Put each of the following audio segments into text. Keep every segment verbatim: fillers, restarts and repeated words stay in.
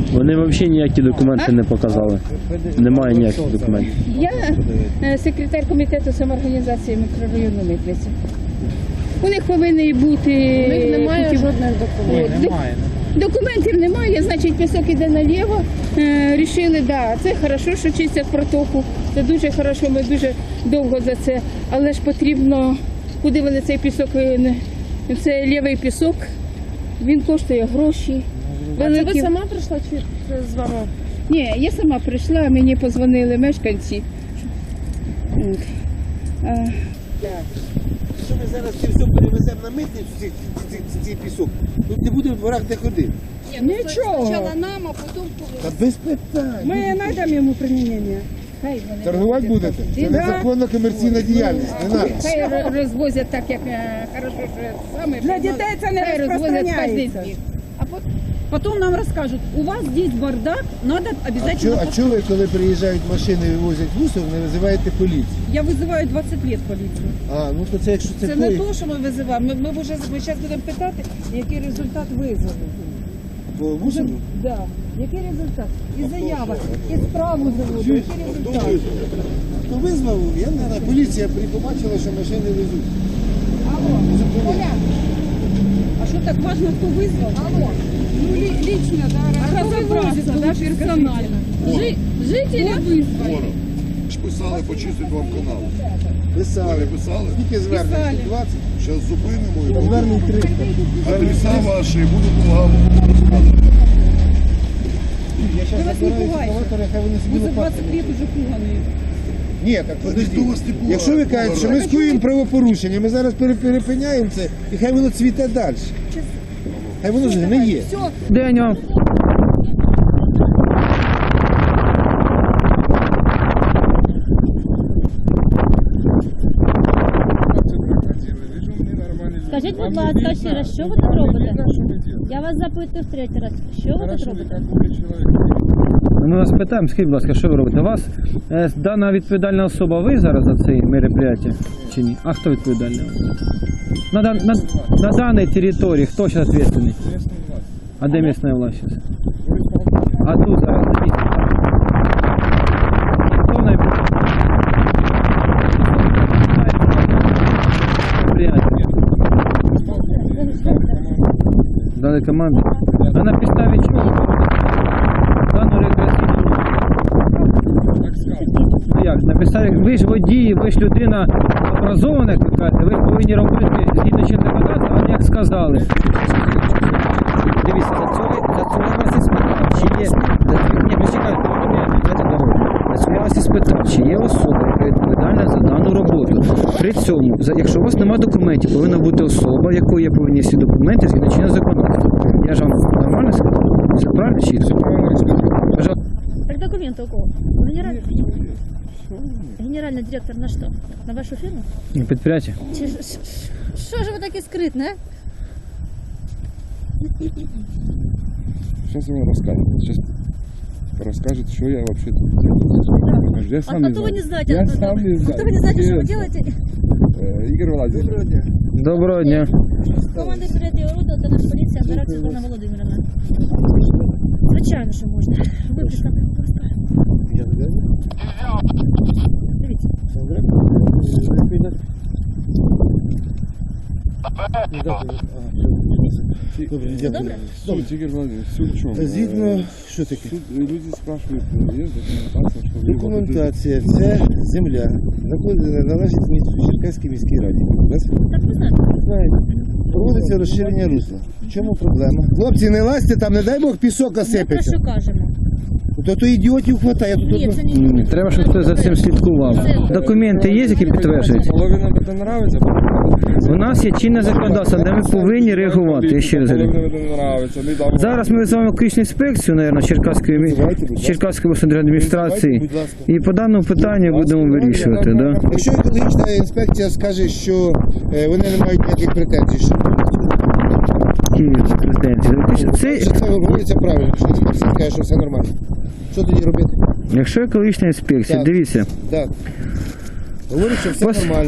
Вони взагалі ніякі документи не показали. Немає ніяких документів. Я е, секретар комітету самоорганізації мікрорайону Митниця. У них повинні бути... У них немає такі- жодних документів. Немає. Документів немає, значить пісок іде наліво. Е, рішили, да, це хорошо, що чистять протоку. Це дуже хорошо, ми дуже довго за це. Але ж потрібно, куди вони цей пісок, е, не- це лівий пісок, він коштує гроші. А це ви Великі- сама прийшла чи це з вами? Ні, я сама прийшла, мені подзвонили мешканці. От. А, Якщо ми зараз це все перевеземо на митницю, цей, цей, цей, цей пісок, тут не буде в дворах де ходити. Нічого. спочатку нам, а потім... Та без питань. Ми знайдемо йому примінення. Хай вони Торгувати розвозять. будете? Це незаконна комерційна діяльність. Не надо. Хай ро- розвозять так, як е, хорошо, що саме. Для дітей це не Хай розвозять розпространяється. кожен день. Потом нам расскажут, у вас здесь бардак, надо А обязательно... чого а чого ви, коли приїжджають машини і вивозять мусор, не визиваєте поліцію? Я вызываю двадцать лет полицию. А, ну то це якщо це, Це не поїзд, то, що ми визиваємо. Ми, ми вже ми зараз будемо питати, який результат визову. по мусору? Да. Який результат? І заява, і справу заводу. Який результат? Ну визвав, я не знаю, поліція при- побачила, що машини везуть. Алло, Оля, а що так важно, хто визвав? Алло. Ну, ли- лично, да, разобраться, да, персонально. Жи- Жители вызвали. Ж писали почистити вам канал. Писали. Писали? Скільки звернень? двадцять? Зараз зупинимо і Звернень триста. адреса ваші, буду допомагати розказувати. Я зараз вас не забираю пугайте. ескаватори, хай вони собі Ви за лопатами. двадцять лет уже пугані. Ні, так ніхто подожди. вас не пугає. Якщо ви кажете, що ми скоюємо правопорушення, ми зараз пере- перепиняємо це, і хай воно цвіте далі. Хай воно ж не є. День вам. Скажіть, будь ласка, ще раз, що ви тут робите? Я вас запитую в третій раз. Що ви тут робите? Ми вас питаємо, скажіть, будь ласка, що ви робите? У вас е, дана відповідальна особа, ви зараз за це мероприятие чи ні? А хто відповідальний? На, дан- на, на даній території хто зараз відповідальний? А де місцева власть зараз? А тут зараз на місці? Хто найбільше? Дали команду. А на підставі чого? Дану рекреаційну. Ну як, на підставі, ви ж водії, ви ж людина образована, як ви кажете, ви повинні робити згідно чинного законодавства, а не як сказали. Дивіться, за цього, за цього я вас і спитав, чи є, за, ні, почекайте, ви мене дайте дорогу. За цього я вас і спитав, чи є особа, яка відповідальна за дану роботу. При цьому, за- якщо у вас немає документів, повинна бути особа, в якої є повинні всі документи згідно чинного законодавства. Я ж вам нормально сказав? Все правильно чи все правильно? Пожалуйста. Так документы у кого? Генеральный, генеральный директор на что? На вашу фирму? Підприємці. Чи ж- ш- Що ж ви такі скритні, а? Сейчас я вам расскажу. Сейчас расскажет, что я вообще тут делаю. Я А сам не то вы знаю. не знаете, Я откуда сам вы- не а знаю. то вы не знаете, что вы Честно. делаете? Э, Игорь Владимирович. Доброго дня. Команда передає роду, та наша поліція, Андрак Світлана Володимирівна. Звичайно, що можна. Ви представте, будь ласка. Я не знаю. Дивіться. Добре, Все дякую. добре? Суть, Игорь Владимирович, суть в чем? Та згідно, що таке? Тут люди спрашивают, есть документация, что вы Документація, це земля, знаходиться, належить місту Черкаській міській раді. Раз? Так ви знаєте. Знаєте, проводиться розширення русла. В чому проблема? Хлопці, не лазьте там, не дай Бог пісок Ми про осипеться. що кажемо? То то ідіотів хватає. Тут Ні, одно- це не Ні, треба, щоб хтось за цим слідкував. Документи є, які підтверджують? Половина это нравится, У нас є чинне законодавство, де ми повинні реагувати. Я ще раз говорю. половина это нравится. Недавно. Зараз ми визиваємо екологічну інспекцію, мабуть, Черкаської, мі- Черкаської обласної адміністрації. Будь ласка. І по даному питанню будемо вирішувати. Да? Якщо екологічна інспекція скаже, що е, вони не мають ніяких претензій, що Які претензії? Це, що це робиться правильно, що інспекція каже, що все нормально. Що тоді робити? якщо екологічна інспекція, Так. дивіться, Так. Говорить, що все Ось- нормально.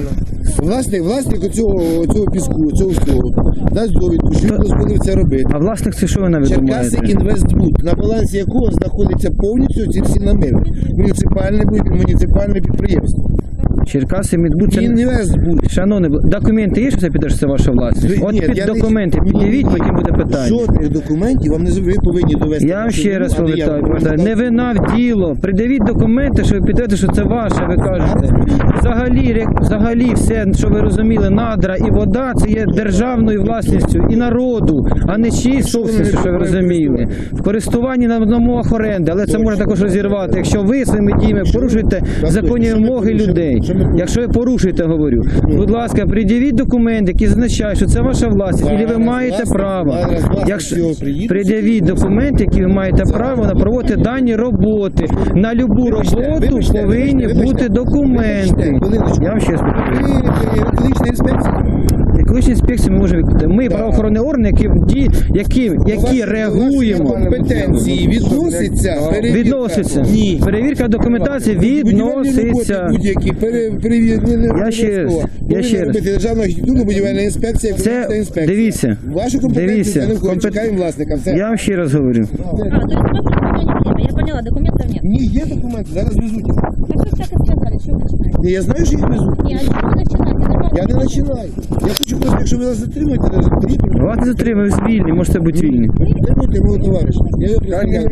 Власник, власник оцього, оцього піску, цього всього, дасть довідку, що він дозволив це робити. А власник це що ви навіть Черкаси думаєте? Інвестбуд, на балансі якого знаходиться повністю ці всі наміри. Муніципальне, муніципальне підприємство. Черкаси Мідбуд це... Інвестбуд. Шановний, документи є, що це піде, що це ваша власність? Ви- От ні, під я не- документи ні, під'явіть, ні, потім буде питання. Жодних документів вам не зробили, ви повинні довести. Я вам до ще суду, раз а не я повертаю, вам повертаю. Не вина в діло. Придивіть документи, що ви підтвердите, що це ваше, ви кажете. Взагалі, ре- взагалі все, що ви розуміли, надра і вода, це є державною власністю і народу, а не чиїсь собственністю, що ви розуміли. В користуванні на на умовах оренди, але це можна також розірвати, якщо ви своїми діями порушуєте законні вимоги людей. Якщо ви порушуєте, говорю, будь ласка, пред'явіть документи, які зазначають, що це ваша власність, і ви маєте право. Якщо пред'явіть документи, які ви маєте право на проводити дані роботи. На любу роботу повинні бути документи. Я вам ще раз повторюю. Ви екологічна інспекція. Екологічні інспекції ми можемо виконати. Ми правоохоронні органи, які, ді- які, які реагуємо. Компетенції відноситься перевірка. Відноситься. Ні. Перевірка документації відноситься. Будь-які перевірки. Я ще раз, я ще раз. робити державна архітектурна будівельна інспекція, екологічна Це, інспекція. дивіться, Вашу компетенцію дивіться, це не входить. компет- Чекаємо власника. Все. я вам ще раз говорю. А, то есть у вас просто время. Я поняла, документов нет. Ні, є документи, зараз везуть. Так что так и сказали, что вы начинаете? Ні, я знаю, що їх везуть. Не, а что вы начинаете? Нормально. Я не починаю. Я хочу просто, якщо ви нас затримуєте, не затримуєте. Вас не затримую, ви вільні, можете бути вільні. Затримуйте мого товариша. Я його представляю.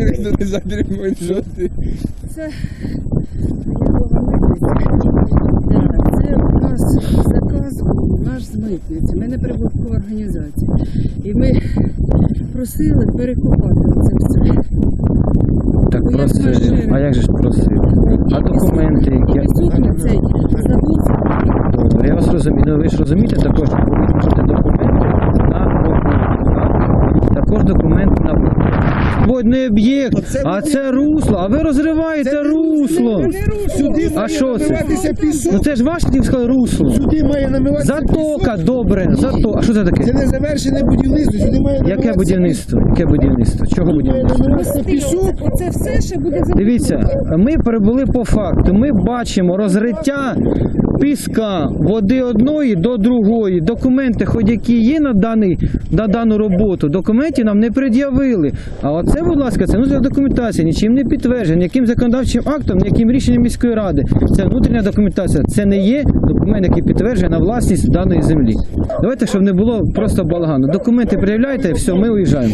Це у нас заказ був наш з митниці. Ми не прибуткова організація. І ми просили перекопати це все. Так Ну, як просто, машина. а як же ж просити? А документи, які... Пісок на цей забувся. Добре, я вас розумію. Ну, ви ж розумієте також, що ви можете документи на об'єкт. Також документи на об'єкт. Водний об'єкт, а це русло, а ви розриваєте русло. Сюди А має що це? намиватися пісок. Ну це ж ваше, тим сказали, русло. Сюди має намиватися Затока, пісок. добре, зато. А що це Це таке? не завершене будівництво. Сюди має Яке намиватися будівництво? Яке будівництво? Чого Має будівництво? намиватися пісок. Оце все ще буде за Дивіться, ми перебули по факту. Ми бачимо розриття піска води одної до другої. Документи, хоч які є на, даний, на дану роботу, документів нам не пред'явили. А оце, будь ласка, це внутрішня документація, нічим не підтверджена, ніяким законодавчим актом, ніяким рішенням міської ради. Це внутрішня документація. Це не є документ, який підтверджує на власність даної землі. Давайте, щоб не було просто балагану. Документи пред'являйте, все, ми уїжджаємо.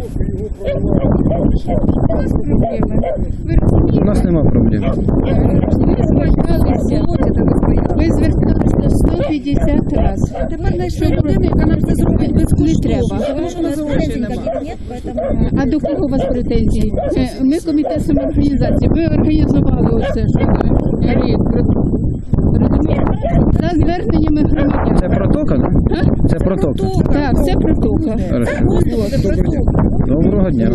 Ви розумієте? У нас нема проблем. Ви зверталися, ви зверталися до сто п'ятдесят разів. Тепер знайшли людину, яка нам це зробить безкоштовно. Не треба. Потому что у нас претензий никаких нет, поэтому... А до кого у вас претензії? Е, Ми комітет самоорганізації. Ви організували оце, що ви реєстр. Розумієте? За зверненнями громадян. Це протока, так? Це протока. Так, це протока. Хорошо. Доброго дня.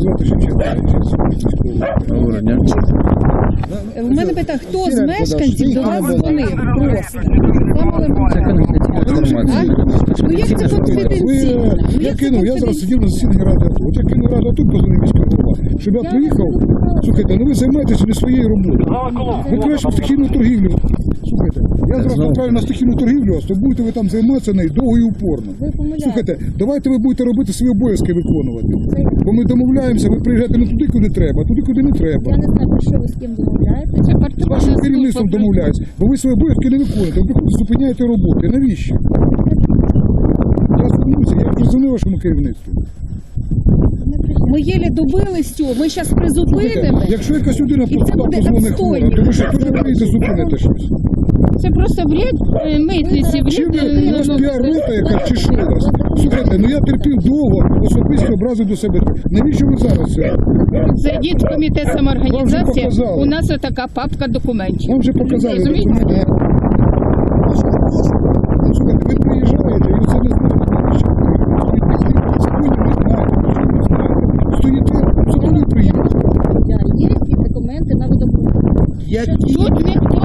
Доброго дня. У мене питання, хто з мешканців до вас дзвонив? Просто. Це конфіденційна інформація. Ну як це конфіденційно? Ну, Я як це кинув, я зараз сидів на засіданні ради АТО. От я кинув раду АТО, позвонив міський голова, щоб я приїхав. Слухайте, ну ви займаєтеся не своєю роботою. Ви краще в стихійну торгівлю. Слухайте, я зараз Знову. направлю на стихійну торгівлю, а то будете ви там займатися нею довго і упорно. Ви помиляєте. Слухайте, давайте ви будете робити свої обов'язки виконувати. Бо ми домовляємося, ви приїжджаєте не туди, куди треба, а туди, куди не треба. Я не знаю, про що ви з ким домовляєте. Це З партійна вашим керівництвом служба. домовляюсь, бо ви свої обов'язки не виконуєте, ви приходите, зупиняєте роботи. Навіщо? Я звернуся, я вже дзвонив вашому керівництву. Ми єлі добились цього, ми зараз Слухайте, призупинимо. якщо якась людина І це просто так буде позвонить хвора, відстойно. то ви що, теж приїдете зупините щось? Це просто вряд е, митниці, Чи вряд ви, у вас е, піар-рота якась, чи що у вас? Слухайте, ну я терпів довго, особисто образи до себе. Навіщо ви зараз це? зайдіть в комітет Вам самоорганізації. вже показали. У нас отака папка документів. Вам вже показали Розумієте? документи. Слухайте, ви приїжджаєте і це не знаєте, навіщо ви приїжджаєте. Законів не знаєте, нічого не знаєте. Стоїте, закони приїхали. Да, є якісь документи на видобуток. Які? Тут ніхто не видобуває.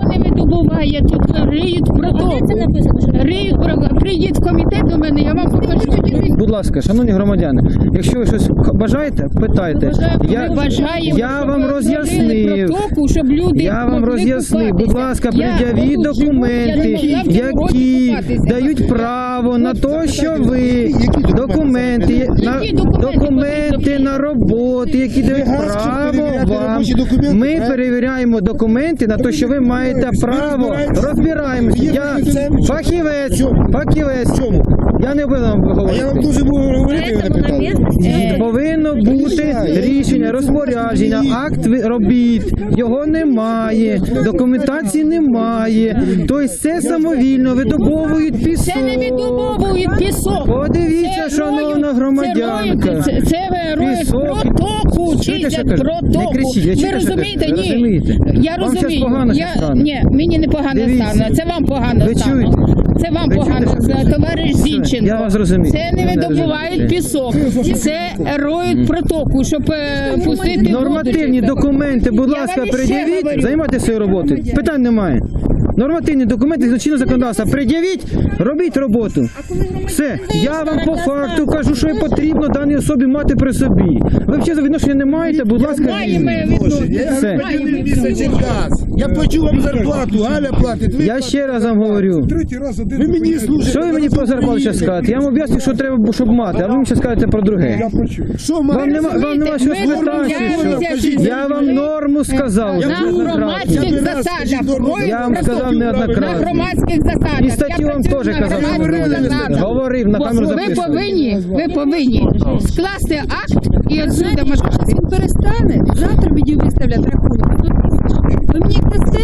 буває, тут риють А де протоку. це написано? Що Риють протоку. Приїдь в комітет до мене, я вам покажу. Будь ласка, шановні громадяни, якщо ви щось бажаєте, питайте. Я, Ми бажаємо, я щоб вам ви роз'яснив. робили протоку, щоб люди Я вам могли роз'яснив, будь купатися. ласка, Я пред'явіть отут живу, документи, я не могла в цьому році які купатися. дають право на те, що ви Які документи, на Які документи документи потрібно? на роботи, які дають газ, щоб право перевіряти вам. робочі документи, Ми так? перевіряємо документи на те, що ви маєте право. розбираєтесь? Розбираємося. Є Я фахівцем? фахівець, Чому? фахівець. Чому? Я не буду вам А я вам говорити. дуже можу говорити, ви не Поэтому на питали. местности Повинно бути рішення, розпорядження, акт ви- робіт. Його немає, документації немає. Тобто це самовільно видобовують пісок. Це не віддобовують пісок. Подивіться, Це шановна роють- громадянка. Це, це роють Пісок. протоку, Чуєте, що чистять кажу? протоку. Не кричіть, я Ви чую, що розумієте? кажу. Ні. Розумієте? Я Вам щас розумію. погано я... щас стане. Ні, мені не погано Дивіться. стане. Це вам погано Ви стане. чуєте? Це вам Ви погано чуєте, що стане. кажу? Товариш Зінченко. Я вас зрозумів. Це не Я видобувають розумію. пісок. Це роють протоку, щоб е, пустити воду Нормативні чисто. документи, будь Я ласка, вам іще пред'явіть, говорю. займайтеся своєю роботою. Питань немає. Нормативні документи з чинного законодавства пред'явіть, робіть роботу. Все. Я вам по факту кажу, що потрібно даній особі мати при собі. Ви взагалі відношення не маєте, будь ласка, Маємо візьміть. відносини. Я Все. громадянин місяць газ. Я плачу вам зарплату, Галя платить. Ви Я ще раз вам говорю. Третій раз один. Ви мені служите. Що ви мені про зарплату зараз скажете? Я вам об'ясню, що треба, щоб мати, а ви мені зараз скажете про друге. Я почув. Що Вам має? нема, вам нема що Ми спитати. домовляємося що? з Я вам норму сказав. на неоднократно. громадських Я би раз засадах. скажіть норму. роють Я вам протоку. сказав На неоднократно. громадських засадах. І статтю Я вам працюю теж на казав, що ви громадських робите. засадах. Говорив, на камеру Ви записую. повинні, ви повинні скласти акт і отсюда Якщо він перестане, завтра мені виставлять рахунок. Ви мені дасте?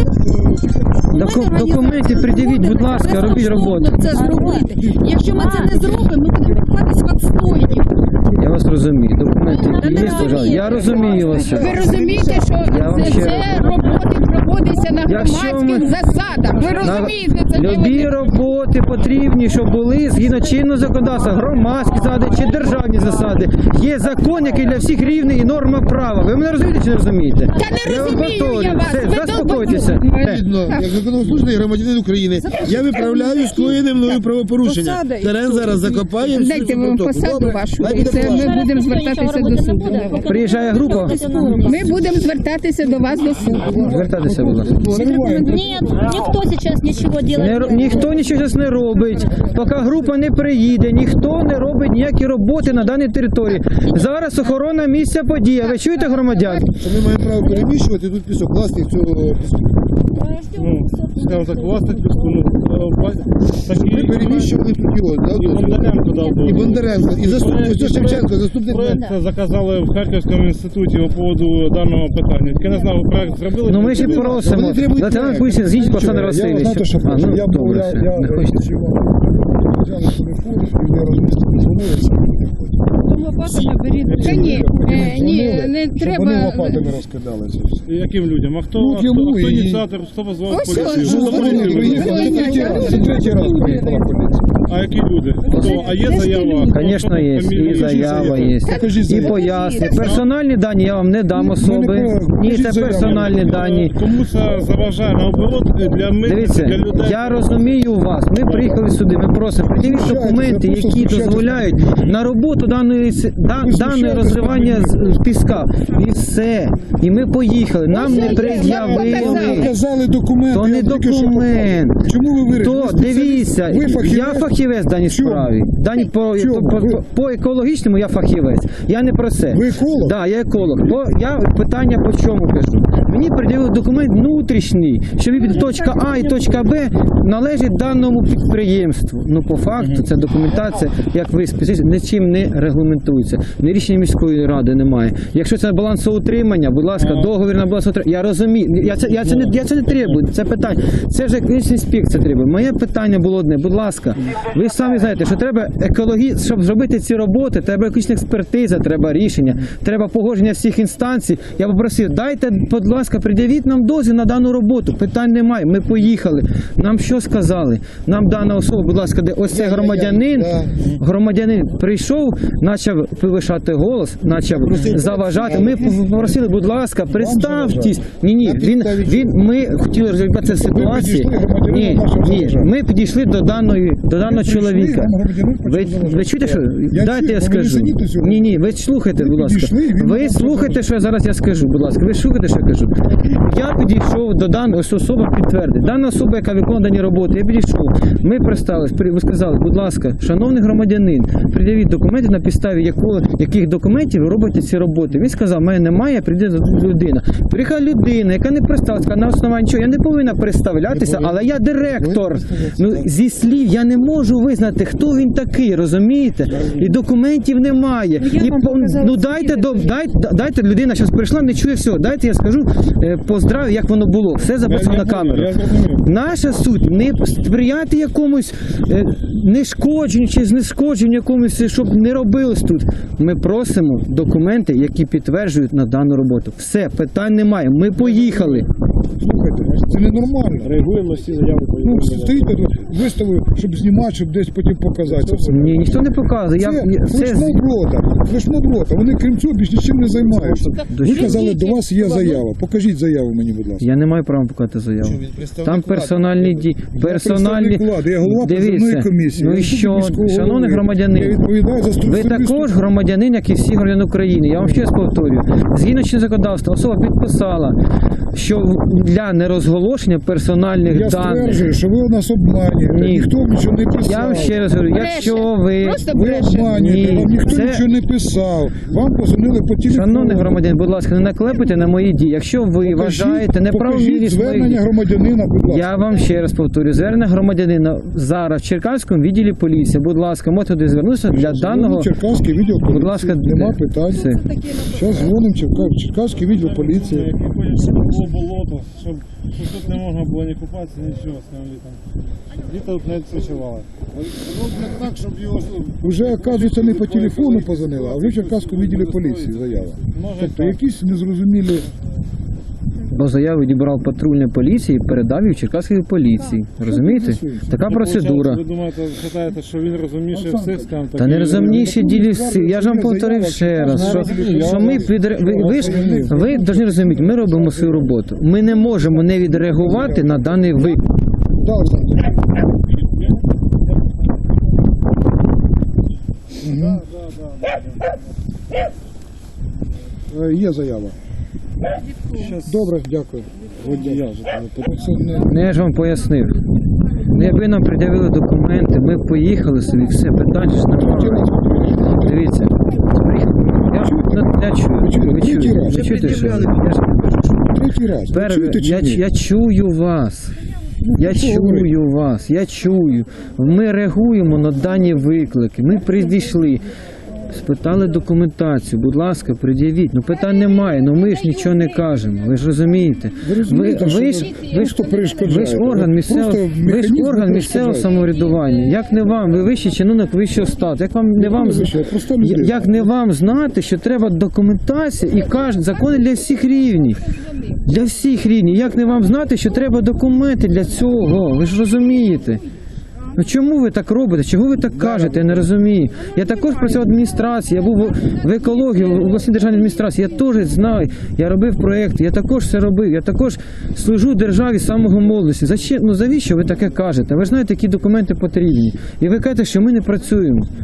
Доку- документи пред'явіть, будь ласка, робіть роботу. Це зробити. Якщо ми це не зробимо, ми будемо купатись в отстойні. Я вас розумію. Документи є, пожалуйста. Я розумію вас. Ви розумієте, що Я вам це, ще це раз- роботи проводяться на Якщо громадських ми- засадах. Ви розумієте, це не Любі вони- роботи потрібні, щоб були згідно чинного законодавства, громадські засади чи державні засади. Є закон, який для всіх рівний і норма права. Ви мене розумієте чи не розумієте? Та не Я вам розумію повторюю. я вас. Все, Ви заспокойтеся. довбані. Е. Відповідно, як законослужний громадянин України, я виправляю скоєне мною правопорушення. Посада і Терен все. зараз закопаємо. Дайте всю вам протоку. посаду Добре? вашу, Хай і буде це поважно. ми будемо звертатися до суду. Приїжджає група, Ми будемо звертатися до вас до суду. звертайтеся, будь ласка. Нет, никто сейчас ничего Не, делать ро- ніхто нічого зараз не робить. Поки група не приїде, ніхто не робить ніякі роботи на даній території. Зараз охорона місця події. Ви чуєте, громадян? Що ми маємо право переміщувати тут пісок, власник цього піску. Скажімо так, власник піску, ну, Ми переміщували тут його, да, І дозвіл. Бондаренко дав І дозвіл. Бондаренко, і заступник, ось Шевченко, заступник мера. Проект заказали в Харківському інституті по поводу даного питання. Тільки не знаю, ви проект зробили? Ну ми ж і просимо. Вони требують Лейтенант проект. поліції, з'їдь Олександр Я Васильович. знаєте, що А, хочу? ну, Я добре, я, все, я, не хочете. взяв телефон, і не розмістив. Дзвонилися. Лопатами беріть. Та ні, е, ні, Дзвонили, не щоб треба. Вони лопатами розкидали це все. І яким людям? А хто, Ну, а хто, йому а хто і- ініціатор, хто позвав Ось поліцію? ось, Хто ось, Вони поліцію приїхали, визвав? це третій раз, це третій раз приїхала поліція. А які люди? Хто? А є заява? Звісно, є. І заява є. Покажіть І заяву. пояснення. Персональні дані я вам не дам особи. Ні, це персональні дані. Кому це заважає наоборот для митниці, Дивіться, для людей? я розумію вас. Ми приїхали сюди. Ми просимо пред'явіть Знущайтеся, документи, просто які знущайтеся. дозволяють на роботу даної с- да- Ви даної знущаєтеся розривання з з піска. І все. І ми поїхали. Нам не пред'явили. Показали документи. То не я тільки що документ. показав. Чому ви вирішили? То Ви спеціаліст? дивіться, Ви фахівець? я фахівець в даній Чому? справі. Дані по, Чому? по, по, Ви- по екологічному я фахівець. Я не про це. Ви еколог? Да, я еколог. Бо я питання по чому кажу. Мені приділили документ внутрішній, що від точка А і точка Б належить даному підприємству. Ну по факту ця документація, як ви спеціаліст, нічим не регламентується. Ні рішення міської ради немає. Якщо це балансоутримання, будь ласка, договір на балансоутримання. Я розумію. Я це я це не я це не требую. Це питання. Це вже екологічна інспекція треба. Моє питання було одне. Будь ласка, ви самі знаєте, що треба екологі, щоб зробити ці роботи, треба екологічна експертиза, треба рішення, треба погодження всіх інстанцій. Я попросив, дайте, будь ласка, пред'явіть нам дозвіл на дану роботу. Питань немає. Ми поїхали. Нам що сказали? Нам дана особа, будь ласка, де ось цей громадянин, громадянин прийшов, почав повишати голос, почав заважати. Ми попросили, будь ласка, представтесь. Ні, ні, він, він, ми хотіли розібратися ситуацію. Ні, ні, ми підійшли до даної, до даного чоловіка. Ви, ви чуєте, що? Дайте я скажу. Ні, ні, ви слухайте, будь ласка. Ви слухайте, що я зараз я скажу, будь ласка. Ви слухайте, що я кажу. Я підійшов до даної ось особа підтвердить. Дана особа, яка виконує дані роботи, я підійшов. Ми представились, ви сказали, будь ласка, шановний громадянин, пред'явіть документи, на підставі якого, яких документів ви робите ці роботи. Він сказав, мене немає, прийде людина. Приїхала людина, яка не представилася, на основанні чого, я не повинна представлятися, але я директор. Ну, зі слів я не можу визнати, хто він такий, розумієте? І документів немає. І, ну дайте, до, дайте, дайте, людина зараз прийшла, не чує всього, дайте я скажу, е, поздравю, як воно було. Все записано на камеру. Наша суть не сприяти якомусь е, нешкодженню чи знешкодженню якомусь, щоб не робилось тут. Ми просимо документи, які підтверджують на дану роботу. Все, питань немає. Ми поїхали. Слухайте, це ненормально. Реагуємо на всі заяви. Ну, стоїте тут, виставив, щоб знімати, щоб десь потім показати. Це все. Ні, ніхто не показує. Я, Це це, флешмоб-рота. Флешмоб-рота. Вони крім цього більш нічим не займаються. Ви казали, до вас є заява. Покажіть заяву мені, будь ласка. я не маю права показати заяву. Там персональні дії. Персональні... Я представник влади, я голова призовної Дивіться, комісії. ну Я і що, міського шановний голови. громадянин, Я відповідаю за ви структуру також громадянин, як і всі громадяни України. Я вам ще раз повторюю. Згідно чинного законодавства, особа підписала, що для нерозголошення персональних Я даних. стверджую, що ви нас обманюєте. Ні. Ніхто нічого не писав. Я вам ще раз говорю, Бреше. якщо ви... Просто Ви бреше. обманюєте, Ні, вам ніхто це- нічого не писав. Вам позвонили по телефону. Шановний громадянин, будь ласка, не наклепайте на мої дії. Якщо ви Покажіть- вважаєте покажіть неправомірність моїх звернення дій, громадянина, будь ласка. я вам ще раз повторюю, звернення громадянина зараз в Черкаському відділі поліції. Будь ласка, можете туди звернутися для даного... Черкаський відділ поліції. Будь ласка, нема де? питань. Все. Зараз дзвонимо Черка- Черкаський відділ поліції. Які ходять, щоб було болото, щоб щоб тут не можна було ні купатися, нічого з цим літом. Літо тут не відпочивали. Так, щоб його... Уже, оказується, не по телефону позвонили, а вже в Черкаському відділі поліції заява. Може Тобто так. якісь незрозумілі... Бо заяву відібрав патрульної поліції і передав її в Черкаській поліції. Розумієте? Така процедура. Ви думаєте, вважаєте, що він розумніше всіх, скажімо так? Та не і- розумніші ділі всі. Я ж вам повторив ще раз, що, що ми підре... ви, ви ж ви повинні розуміти, ми робимо свою роботу. Ми не можемо не відреагувати на даний виклик. Да, Олександр. Мгм. Е, Є заява. Добре, дякую. Водія вже туди Це не- Ну, я ж вам пояснив. Ну, якби нам пред'явили документи, ми б поїхали собі, все, питань ж немає. Дивіться. Я, ну, я чую, ви чуєте, ви чуєте, що я ж Третій раз. Ви Перше, чуєте чи я, ні? я чую вас. Я що чую вас, я чую. Ми реагуємо на дані виклики. Ми прийшли, спитали документацію. Будь ласка, пред'явіть. Ну питань немає, ну ми ж нічого не кажемо. Ви ж розумієте? Ви розумієте, ви, що ви, ви ж, просто перешкоджаєте. ви ж орган місцевого, Просто ви ж механізм орган місцевого перешкоджаєте. самоврядування. Як не вам, ви вищий чиновник вищого стату. Як вам не вам ви вищий, я просто людина. як не вам знати, що треба документація і кожен закони для всіх рівнів. Для всіх рівнів. Як не вам знати, що треба документи для цього? Ви ж розумієте. Ну чому ви так робите? Чого ви так кажете? Я не розумію. Я також працював в адміністрації, я був в екології, в обласній державній адміністрації. Я теж знаю, я робив проєкти, я також все робив. Я також служу державі з самого молодості. Зачем? Ну завіщо ви таке кажете? Ви ж знаєте, які документи потрібні. І ви кажете, що ми не працюємо.